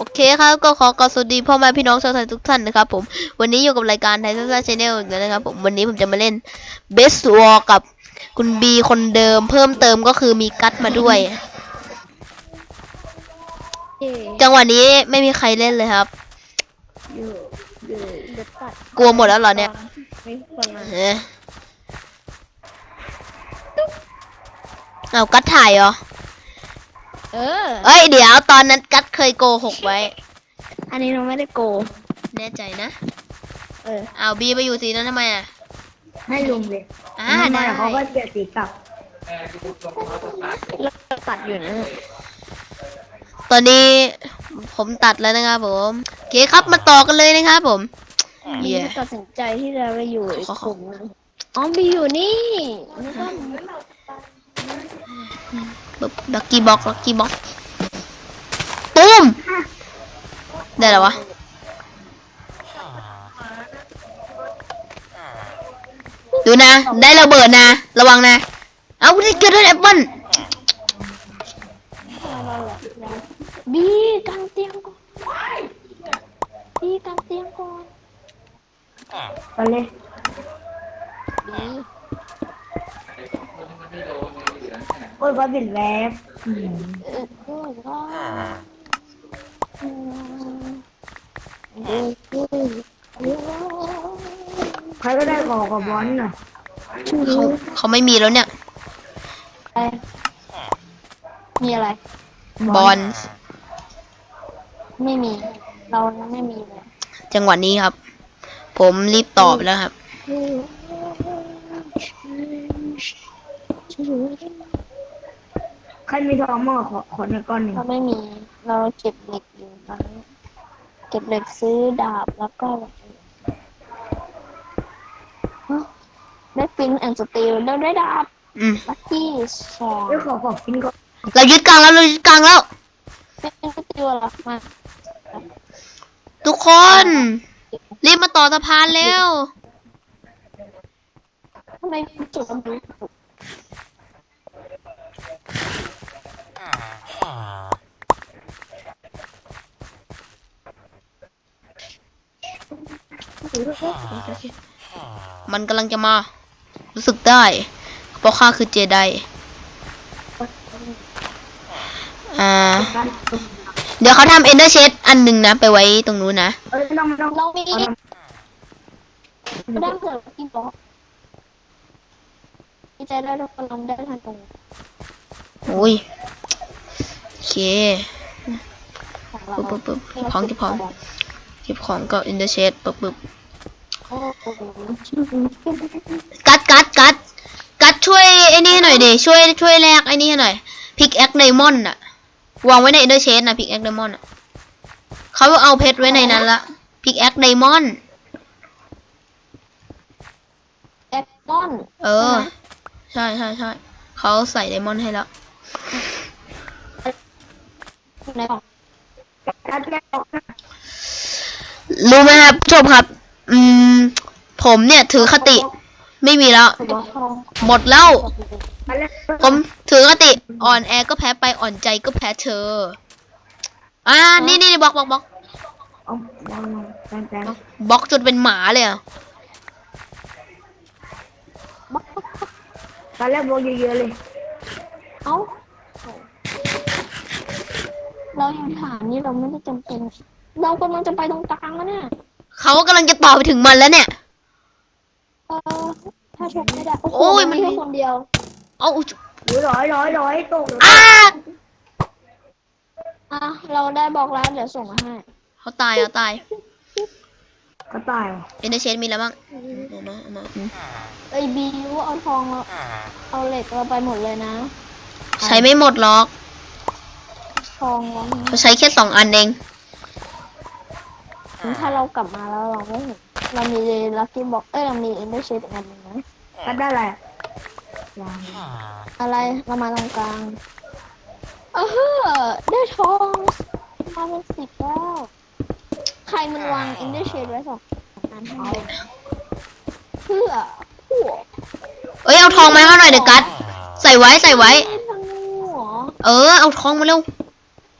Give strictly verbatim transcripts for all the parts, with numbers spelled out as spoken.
เคครับก็ขอกราบสวัสดีพ่อแม่พี่น้องชาวไทยทุกท่านนะครับผมวันนี้อยู่กับรายการไทยซ่าชาแนลอีกแล้วนะครับผมวันนี้ผมจะมาเล่น Best War กับคุณบีคนเดิมเพิ่มเติมก็คือมีกัตมาด้วย จังหวะนี้ไม่มีใครเล่นเลยครับกลัวหมดแล้วเหรอเนี่ยเฮ้ยเอากัตถ่ายเหรอเออเอ้ยเดี๋ยวตอนนั้นกัตเคยโกหกไว้อันนี้เราไม่ได้โกแน่ใจนะเออเอาบีไปอยู่สีนั้นทำไมอ่ะให้ลุงเลยอ่าได้เขาก็เปลี่ยนสีกลับเราตัดอยู่นะตอนนี้ผมตัดแล้วนะครับผมโอเคครับมาต่อกันเลยนะครับผมเย้ตัดสินใจที่จะไปอยู่อีกกลุ่มนึงอ๋อบีอยู่นี่นะครับลักกี้บ็อกลักกี้บ็อกตุ้มได้แล้ววะดูนะได้ระเบิดนะระวังนะเอาได้เกิดได้แอปเปิ้ลบีกันเตียงก่อนบีกันเตียงก่อนไปเลยโอ้ยว่าบิดแวบใครก็ได้ขอกับบอลหน่อยเขาเขาไม่มีแล้วเนี่ยมีอะไรบอลไม่มีเราไม่มีเลยจังหวะนี้ครับผมรีบตอบแล้วครับใครมีทองมั่งขอขอในก้อนหนึ่งเราไม่มีเราเก็บเหล็กอยู่ตอนนี้เก็บเหล็กซื้อดาบแล้วก็ได้ฟินแอนด์สตีลได้ได้ดาบลัคกี้สองเดี๋ยวขอขอกินก่อนเรายึดกลางแล้วเรายึดกลางแล้วเป็นสตีลหรอมาทุกคนรีบมาต่อสะพานเร็วทำไมจุดมันดูมันกำลังจะมารู้สึกได้เพราะข้าคือเจไดอ่าเดี๋ยวเขาทำเอนเดอร์เชดอันหนึ่งนะไปไว้ตรงนู้นนะเออลองลองเราไม่ได้ไม่ได้เกิดที่บล็อกที่จะได้เราลองได้ทันตรงโอ้ยโอเคปึ๊บปึ๊บปึ๊บของที่พร้อมเก็บของกับอินเดอร์เชดปึ๊บปึ๊บกัดกัดกัดกัดช่วยไอ้นี่หน่อยดิช่วยช่วยแลกไอ้นี่หน่อยพิกแอคไดมอนด์อะวางไว้ในอินเดอร์เชดนะพิกแอคไดมอนด์อะเขาเอาเพชรไว้ในนั้นละพิกแอคไดมอนด์แอคมอนเออใช่ใช่ใช่เขาใส่ไดมอนด์ให้แล้วรู้ไหมครับจบครับอืมผมเนี่ยถือคติไม่มีแล้วหมดแล้วผมถือคติอ่อนแอก็แพ้ไปอ่อนใจก็แพ้เธออ่านี่นี่บล็อกบล็อกบล็อกบล็อกจนเป็นหมาเลยอ่ะตอนแรกบล็อกเยอะๆเลยเอ้าเราอยู่ฐานนี้เราไม่ได้จำเป็นเรากำลังจะไปตรงกลางแล้วเนี่ยเขากำลังจะต่อไปถึงมันแล้วเนี่ยเออถ้าชกไม่ได้โอ้ยมันแค่คนเดียวเอาร้อยร้อยร้อยตกอ่าอ่ะเราได้บอกแล้วเดี๋ยวส่งมาให้เขาตายเขาตายเขาตายเอ็นเดอร์เชนมีแล้วบ้างเอามาเอามาไอบีว่าเอาทองเราเอาเหล็กเราไปหมดเลยนะใช้ไม่หมดหรอกทองเขาใช้แค่สองอันเองถ้าเรากลับมาแล้วเราไม่เห็นเรามีลัคกี้บ็อกเอ้ยเรามีเอ็นเดอร์เชดอีกอันนึงนะก็ได้อะไรอะไรเรามาตรงกลางเออได้ทองมาเป็นสิบแล้วใครมันวางเอ็นเดอร์เชดไว้สองอันให้เพื่อพวกเอ้ยเอาทองมาให้หน่อยเดี๋ยวกัดใส่ไว้ใส่ไว้เออเอาทองมาเร็ว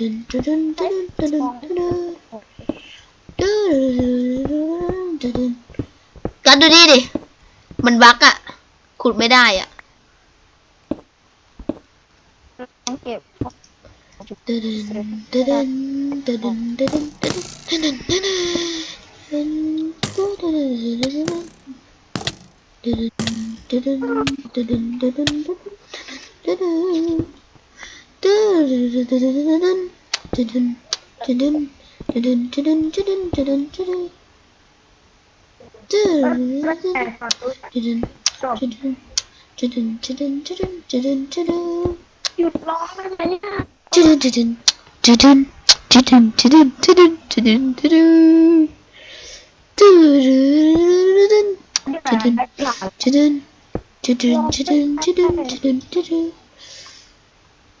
กัดดูนี่ดิมันบั๊กอะขุดไม่ได้อะต้องเก็บแล้วแต่ขอตู้จบหยุดร้องได้ไหมเนี่ยไม่ได้ไม่ได้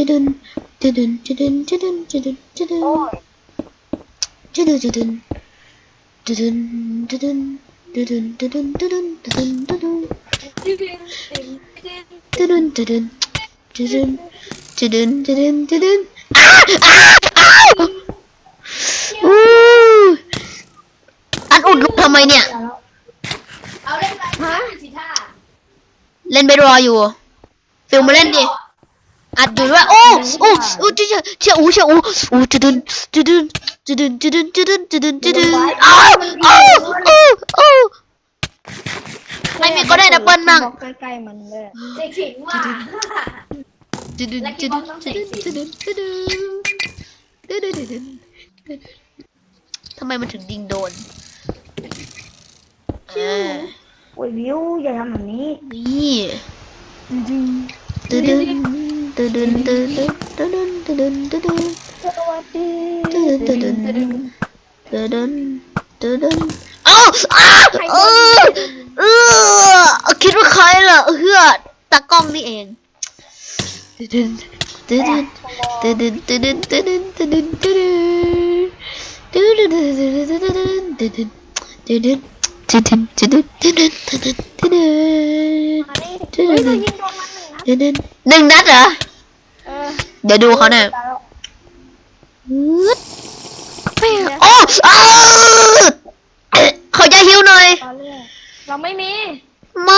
จะดึนจะดึนจะดึนจะดึนจะดึนจะดึนโอ้ยจะดึนจะดึนจะดึนจะดึนจะดึนจะดึนจะดึนจะดึนจะดึนจะดึนจะดึนจะดึนจะดึนจะดึนจะดึนอ้าอ้าอ้าอู้อันอุดลูกทำไมเนี่ยเอาเล่นไปฮะสิท่าเล่นเบสบอลอยู่ฟิลมาเล่นดิอัดอยู่ด้วยโอ้โอ้โอ้เชี่ยเชี่ยโอ้เชี่ยโอ้โอ้จะดึนจะดึนจะดึนจะดึนจะดึนจะดึนจะดึนอ้าวอ้าวอ้าวอ้าวไม่มีก็ได้ดับเบิลมั่งใกล้ๆมันเลยเจ๊ขิงว่ะจะดึนจะดึนจะดึนจะดึนจะดึนจะดึนจะดึนทำไมมันถึงดิงโดนอ่าโอ้ยวิวอย่าทำแบบนี้นี่ตึดึนตึดึนตึดึนตึดึนตึดึนตึดึนสวัสดีตึดึนตึดึนตึดึนตึดึนอ้าวอ้าเออเออคิดว่าใครล่ะเฮือตากล้องนี่เองตึดึนตึดึนตึดึนตึดึนตึดึนตึดึนตึดึนตึดึนตึดึนตึดึนตึดึนตึดึน ตึดึนตึดึนตึดึนตึดึนตึดึนมาดิเฮ้ยเรายิงโดนมันหนึ่งนะตึดึนหนึ่งนัดเหรอเออเดี๋ยวดูเขาหน่อยตายแล้วโอ้อ้าวเขาจะหิวหน่อยตอนแรกเราไม่มีไม่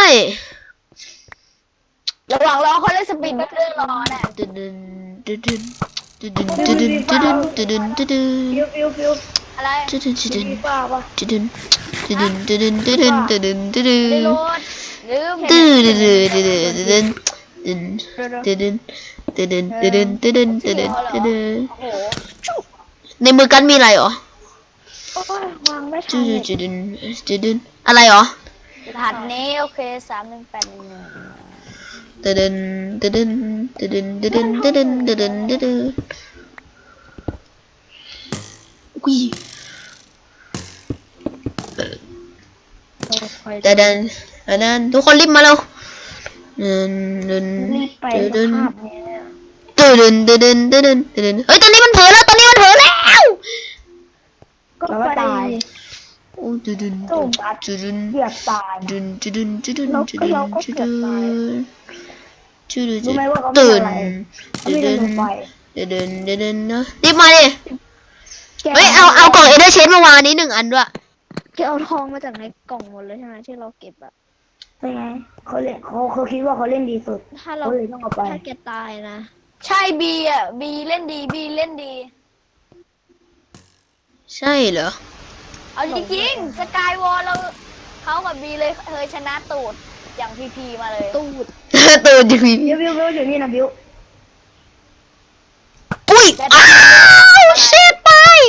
ระหว่างรอเขาเล่นสปีดก็เรื่องรอแหละตึดึนตึดึนตึดึนตึดึนตึดึนตึดึนตึดึนฟิวฟิวฟิวอะไรตึดึนตึดึนฟีฟ่าปะตึดึนตึดึนตึดึนตึดึนตึดึนตึดึนไม่โหลดลืมตึดึนตึดึนตึดึนตึดึนตึดึนตึดึนตึดึนตึดึนตึดึนโอ้โหในมือกันมีอะไรเหรอโอ้ยวางไม่ทัตึนดึนตึดึนตึดึนอะไรเหรอรหัสนี้โอเคสามหนึ่งแปดหนึ่งตึดึนตึดึนตึดึนตึดึนตึดึนตึดึนตึดึนอุ้ยตึดึนตึดึนทุกคนรีบมาเร็วตึดึนตึดึนรีบไปตึดึนภาพเนี่ยตึดึนตึดึนตึดึนตึดึนเฮ้ยตอนนี้มันเผลอแล้วตอนนี้มันเผลอแล้วก็แล้วไปก็ตายโอ้ตึดึนตุ่มอัดตึดึนเกือบตายตึดึนตึดึนตึดึนเราตึก็ดึนเราก็ตึเกืดึอบนตายตึดึนรู้ไหมว่าเขาตื่มีนอะไรเขาตึมีดึระนเบิดไฟตึดึนตึดึนเนอะรีบมาดิแกเฮ้ยเอาเอากล่องเอเดอร์เชนมาวางนี้หนึ่งอันด้วยแกเอาทองมาจากในกล่องหมดเลยใช่ไหมที่เราเก็บอะเป็นไงเขาเล่นเขาเขาคิดว่าเขาเล่นดีสุดถ้าเราเขาเลยต้องเอาไปถ้าแกตายนะ ใช่บีอ่ะบีเล่นดีบีเล่นดีใช่เหรอเอาจริงๆสกายวอลเราเขากับบีเลยเคยชนะตูดอย่างพีพีมาเลย ตูดตื่นจริงบิวบิวบิวอยู่นี่นะบิวอุ้ยอ้าวเชิดไป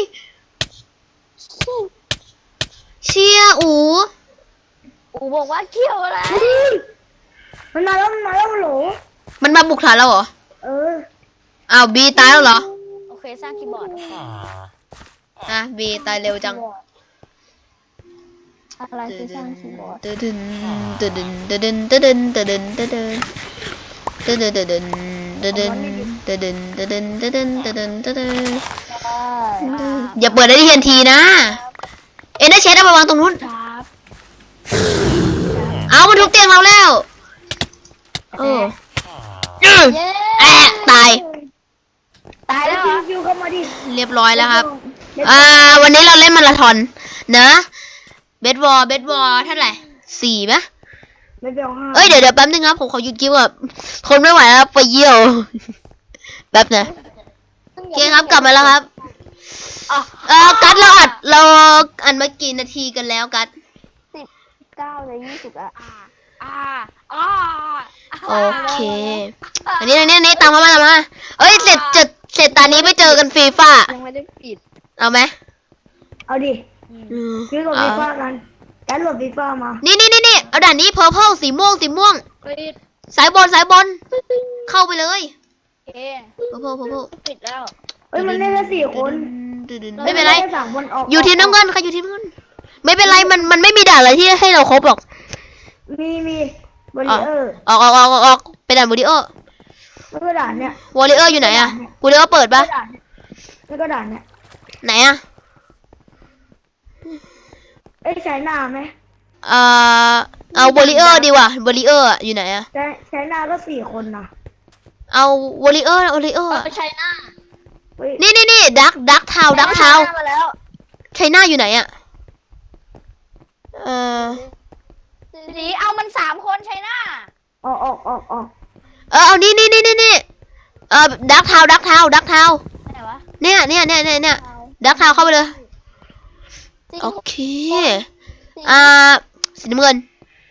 เชียอูอูบอกว่าเกี่ยวอะไรมันมาแล้วมันมาแล้วมันโหลมันมาบุกฐานเราเหรอเอออ้าวบีตายแล้วเหรอโอเคสร้างคีย์บอร์ดอ่ะบีตายเร็วจังอะไรคือสร้างคีย์บอร์ดตึดึนตึดึนตึดึนตึดึนตึดึนตึดึนตึดึนตึดึนตึดึนตึดึนตึดึนตึดึนตึดึนตึดึนอย่าเปิดได้ที่ทันทีนะเอ็นเดอร์เชนเอาไปวางตรงนู้นครับเอามันทุบเตียงเราแล้วโอ้อื้อเย้แอะตายตายแล้วเหรบิอวบิวเข้ามาดิเรียบร้อยแล้วครับ อ่า วันนี้เราเล่นมาราธอนนะเบสบอลเบสบอลเท่าไหร่สี่ไหมไม่เบลห้าเอ้ยเดี๋ยวเดี๋ยวแป๊บนึงครับผมขอหยุดคลิปแบบทนไม่ไหวแล้วไปเยี่ยว แป๊บนะโอเคครับกลับมาแล้วครับอ่ะเออกัดเราอัดเราอัดมากี่นาทีกันแล้วกัดเก้าเลยยี่สิบอ่ะอ่าอ่าโอเคอันนี้อันนี้อันนี้ตามมามาตามมาเอ้ยเสร็จเสร็จเสร็จตอนนี้ไปเจอกันฟีฟ่ายังไม่ได้ปิดเอาไหมเอาดิอืมบิวโหลดเอาฟีฟ่ากันแกโหลดฟีฟ่ามานี่นี่นี่นี่เอาด่านนี้เพอร์เพลสีม่วงสีม่วงปิดสายบนสายบนเข้าไปเลยเอเพอร์เพลเพอร์เพลปิดแล้วเอ้ยมันเล่นแค่สี่คนไม่เป็นไรด้สามคนออกอยู่ทีมน้ำเงินใครอยู่ทีมน้ำเงินไม่เป็นไรมันมันไม่มีด่านอะไรที่ให้เราครบหรอกมีมีบริเออร์ออกออกออกออกออกไปด่านบูดิโอแล้วก็ด่านเนี่ยวอลเลเยอร์อยู่ไหนอะบูดิโอเปิดปะแล้วก็ด่านเนี่ยไหนอะเอ้ยใช้หน้าไหมเอ่อเอาวอลเลเยอร์ดีกว่าบอลเลเยอร์อยู่ไหนอะใช้ใช้หน้าก็สี่คนนะเอาวอลเลเยอร์วอลเลเยอร์ไปใช้หน้าเฮ้ยนี่นี่นี่ดักดักเทาดักเทามาแล้วไชน่าอยู่ไหนอะเอ่อสีเอามันสามคนใช้หน้าออกออกออกออกเออเอานี่นี่นี่นี่นี่เออดักเทาดักเทาดักเทาไหนวะเนี่ยเนี่ยเนี่ยเนี่ยเนี่ยดักเทาเข้าไปเลยโอเคอ่าสีน้ำเงิน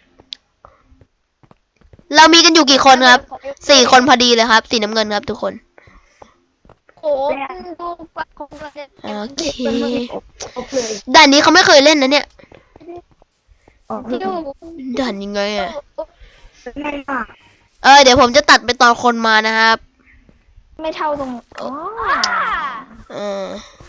เรามีกันอยู่กี่คนครับสี่คนพอดีเลยครับสีน้ำเงินครับทุกคนโอ้ดูปะของเราเนี่ยโอเคออกเลยด่านนี้เขาไม่เคยเล่นนะเนี่ยออกที่ดูด่านยังไงอะง่ายมากเออเดี๋ยวผมจะตัดไปตอนคนมานะครับไม่เท่าตรงอ๋อเออ